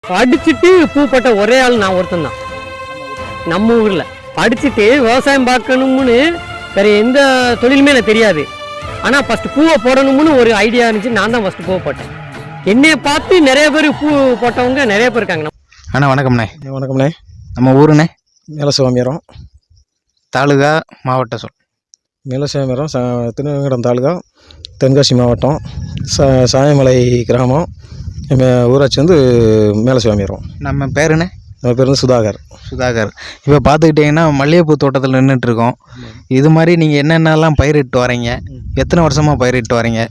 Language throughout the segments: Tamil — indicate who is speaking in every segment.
Speaker 1: படிச்சுட்டு பூ போட்ட ஒரே ஆள் நான் ஒருத்தன் தான் நம்ம ஊரில். படிச்சுட்டு விவசாயம் பார்க்கணும்னு வேற எந்த தொழிலுமே எனக்கு தெரியாது. ஆனால் ஃபஸ்ட்டு பூவை போடணும்னு ஒரு ஐடியா இருந்துச்சு. நான் தான் ஃபஸ்ட்டு பூவை போட்டேன். என்னைய பார்த்து நிறைய பேர் பூ போட்டவங்க நிறைய பேர் இருக்காங்க.
Speaker 2: அண்ணா வணக்கம்ண்ணே.
Speaker 3: வணக்கம்ண்ணே.
Speaker 2: நம்ம ஊருண்ணே?
Speaker 3: மேலசிவாமிரம்
Speaker 2: தாலுகா மாவட்ட சொல்.
Speaker 3: மேலசிவாமிரம் திருநெல்வேலி தாலுகா, தென்காசி மாவட்டம், சாயமலை கிராமம். ஊராட்சி வந்து மேலசிவாமிரம்.
Speaker 2: நம்ம பேருண்ணே?
Speaker 3: நம்ம பேர் வந்து சுதாகர்.
Speaker 2: இப்போ பார்த்துக்கிட்டிங்கன்னா மல்லிகைப்பூ தோட்டத்தில் நின்றுட்டுருக்கோம். இது மாதிரி நீங்கள் என்னென்னலாம் பயிரிட்டு வரீங்க? எத்தனை வருஷமாக பயிரிட்டு வரீங்க?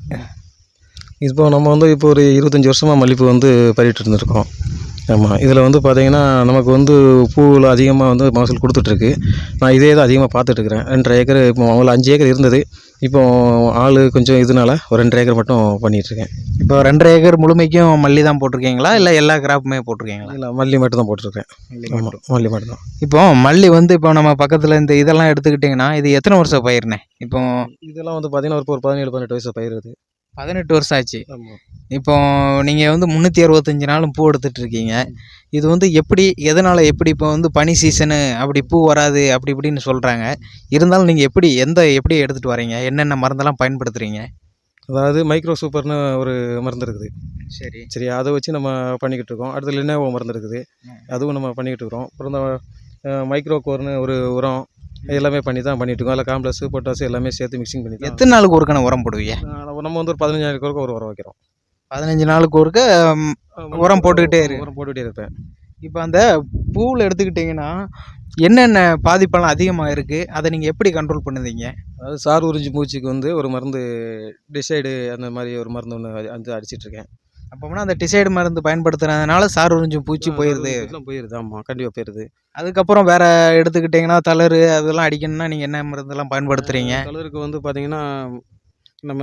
Speaker 3: இப்போ நம்ம வந்து இப்போ ஒரு 25 வருஷமாக மல்லிகைப்பூ வந்து பயிரிட்டு இருந்திருக்கோம். ஆமாம். இதில் வந்து பார்த்திங்கன்னா நமக்கு வந்து பூவில் அதிகமாக வந்து மகசூல் கொடுத்துட்ருக்கு. நான் இதே தான் அதிகமாக பார்த்துட்ருக்குறேன். 2.5 ஏக்கர், இப்போ அவங்கள 5 ஏக்கர் இருந்தது. இப்போ ஆள் கொஞ்சம் இதனால ஒரு 2.5 ஏக்கர் மட்டும் பண்ணிகிட்ருக்கேன்.
Speaker 2: இப்போ 2.5 ஏக்கர் முழுமைக்கும் மல்லி தான் போட்டிருக்கீங்களா, இல்லை எல்லா கிராப்புமே போட்டிருக்கீங்களா?
Speaker 3: இல்லை, மல்லி மட்டும் தான் போட்டிருக்கேன். மல்லி மட்டும் தான்.
Speaker 2: இப்போ மல்லி வந்து இப்போ நம்ம பக்கத்தில் இந்த இதெல்லாம் எடுத்துக்கிட்டிங்கன்னா இது எத்தனை வருஷம் பயிர்ண்ணே? இப்போ
Speaker 3: இதெல்லாம் வந்து பார்த்திங்கன்னா ஒரு 17-18 வயசு பயிர்.
Speaker 2: 18 வருஷம் ஆச்சு.
Speaker 3: ஆமாம்.
Speaker 2: இப்போ நீங்கள் வந்து 365 நாளும் பூ எடுத்துகிட்டு இருக்கீங்க. இது வந்து எப்படி, எதனால், எப்படி இப்போ வந்து பனி சீசனு அப்படி பூ வராது அப்படி இப்படின்னு சொல்கிறாங்க. இருந்தாலும் நீங்கள் எப்படி எடுத்துகிட்டு வரீங்க? என்னென்ன மருந்தெல்லாம் பயன்படுத்துகிறீங்க?
Speaker 3: அதாவது மைக்ரோ சூப்பர்னு ஒரு மருந்து இருக்குது.
Speaker 2: சரி,
Speaker 3: அதை வச்சு நம்ம பண்ணிக்கிட்டு இருக்கோம். அடுத்து லினோவோ மருந்து இருக்குது, அதுவும் நம்ம பண்ணிக்கிட்டு இருக்கிறோம். அப்புறம் இந்த மைக்ரோ கோர்னு ஒரு உரம் எல்லாமே பண்ணி தான் பண்ணிகிட்டு இருக்கோம். அதில் காம்ப்ளெக்ஸு, பொட்டாசு எல்லாமே சேர்த்து மிக்சிங் பண்ணி தான்.
Speaker 2: எத்தனை நாளுக்கு ஒருக்கான உரம் போடுவீங்க?
Speaker 3: நம்ம வந்து ஒரு 15 நாளைக்கு ஒரு உரம் வைக்கிறோம்.
Speaker 2: 15 நாளுக்கு ஒருக்க உரம் போட்டுக்கிட்டே
Speaker 3: இருப்பேன்.
Speaker 2: இப்போ அந்த பூவில் எடுத்துக்கிட்டிங்கன்னா என்னென்ன பாதிப்பெல்லாம் அதிகமாக இருக்குது, அதை நீங்கள் எப்படி கண்ட்ரோல் பண்ணுவீங்க?
Speaker 3: அதாவது சார் உறிஞ்சி பூச்சிக்கு வந்து ஒரு மருந்து, டிசைடு அந்த மாதிரி ஒரு மருந்து ஒன்று வந்து அடிச்சிட்ருக்கேன்.
Speaker 2: அப்போனா அந்த டிசைடு மருந்து பயன்படுத்துறதுனால சார் உறிஞ்சும் பூச்சி போயிடுது.
Speaker 3: ஆமாம், கண்டிப்பாக போயிடுது.
Speaker 2: அதுக்கப்புறம் வேறு எடுத்துக்கிட்டிங்கன்னா தளரு அதெல்லாம் அடிக்கணும்னா நீங்கள் என்ன மருந்தெல்லாம் பயன்படுத்துகிறீங்க?
Speaker 3: தளருக்கு வந்து பார்த்திங்கன்னா நம்ம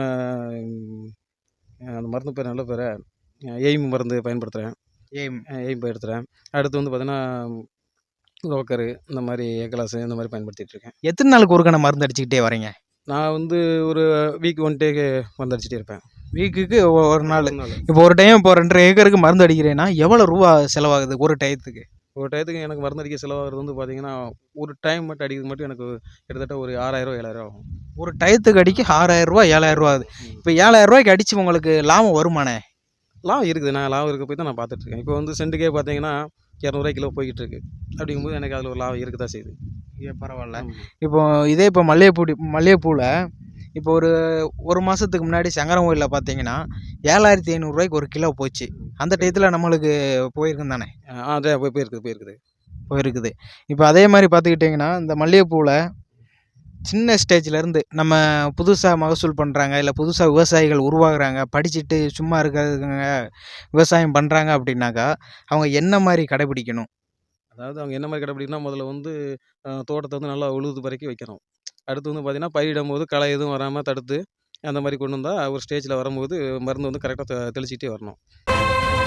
Speaker 3: அந்த மருந்து பேர் நல்ல பேர் எய்ம் மருந்து பயன்படுத்துகிறேன். எய்ம் பயன்படுத்துகிறேன். அடுத்து வந்து பார்த்திங்கன்னா ரோக்கரு, இந்த மாதிரி ஏக்கலாசு இந்த மாதிரி பயன்படுத்திகிட்ருக்கேன்.
Speaker 2: எத்தனை நாளுக்கு ஒருக்கான மருந்து அடிச்சுக்கிட்டே வரீங்க?
Speaker 3: நான் வந்து ஒரு வீக் 1 டேக்கு மருந்து அடிச்சுட்டே இருப்பேன்.
Speaker 2: வீக்குக்கு ஒரு நாள். இப்போ ஒரு டைம் இப்போ 2.5 ஏக்கருக்கு மருந்து அடிக்கிறேன்னா எவ்வளோ ரூபா செலவாகுது ஒரு டயத்துக்கு?
Speaker 3: ஒரு டயத்துக்கு எனக்கு மருந்து அடிக்க செலவாகிறது வந்து பார்த்திங்கன்னா ஒரு டைம் மட்டும் அடிக்கிறது மட்டும் எனக்கு கிட்டத்தட்ட ஒரு 6000 7,000 ஆகும்.
Speaker 2: ஒரு டயத்துக்கு அடிக்க 6000 7,000 ஆகுது. இப்போ 7,000 அடித்து உங்களுக்கு லாபம் வருமானே?
Speaker 3: லாபம் இருக்குது. நான் லாபம் இருக்க போய் தான் நான் பார்த்துட்ருக்கேன். இப்போ வந்து சென்ட்டுக்கே பார்த்தீங்கன்னா 200 கிலோ போய்கிட்டு இருக்கு. அப்படிங்கும்போது எனக்கு அதில் ஒரு லாபம் இருக்க தான் செய்யுது.
Speaker 2: பரவாயில்ல. இப்போ மல்லிகைப்பூவில் இப்போ ஒரு மாதத்துக்கு முன்னாடி சங்கரன் கோயிலில் பார்த்தீங்கன்னா 7,500 ஒரு கிலோ போச்சு. அந்த டயத்தில் நம்மளுக்கு போயிருக்கும் தானே?
Speaker 3: அதே போயிருக்குது.
Speaker 2: இப்போ அதே மாதிரி பார்த்துக்கிட்டிங்கன்னா இந்த மல்லிகைப்பூவில் சின்ன ஸ்டேஜ்லேருந்து நம்ம புதுசாக மகசூல் பண்ணுறாங்க, இல்லை புதுசாக விவசாயிகள் உருவாகுறாங்க, படிச்சுட்டு சும்மா இருக்கிறதுங்க விவசாயம் பண்ணுறாங்க அப்படின்னாக்கா அவங்க என்ன மாதிரி கடைபிடிக்கணும்?
Speaker 3: அதாவது அவங்க என்ன மாதிரி கடைபிடிக்கணும்னா, முதல்ல வந்து தோட்டத்தை வந்து நல்லா உழுது பறக்கி வைக்கணும். அடுத்து வந்து பார்த்திங்கன்னா பயிரிடும் போது களை எதுவும் வராமல் தடுத்து அந்த மாதிரி கொண்டு வந்தால் ஒரு ஸ்டேஜில் வரும்போது மருந்து வந்து கரெக்டாக தெளிச்சிக்கிட்டே வரணும்.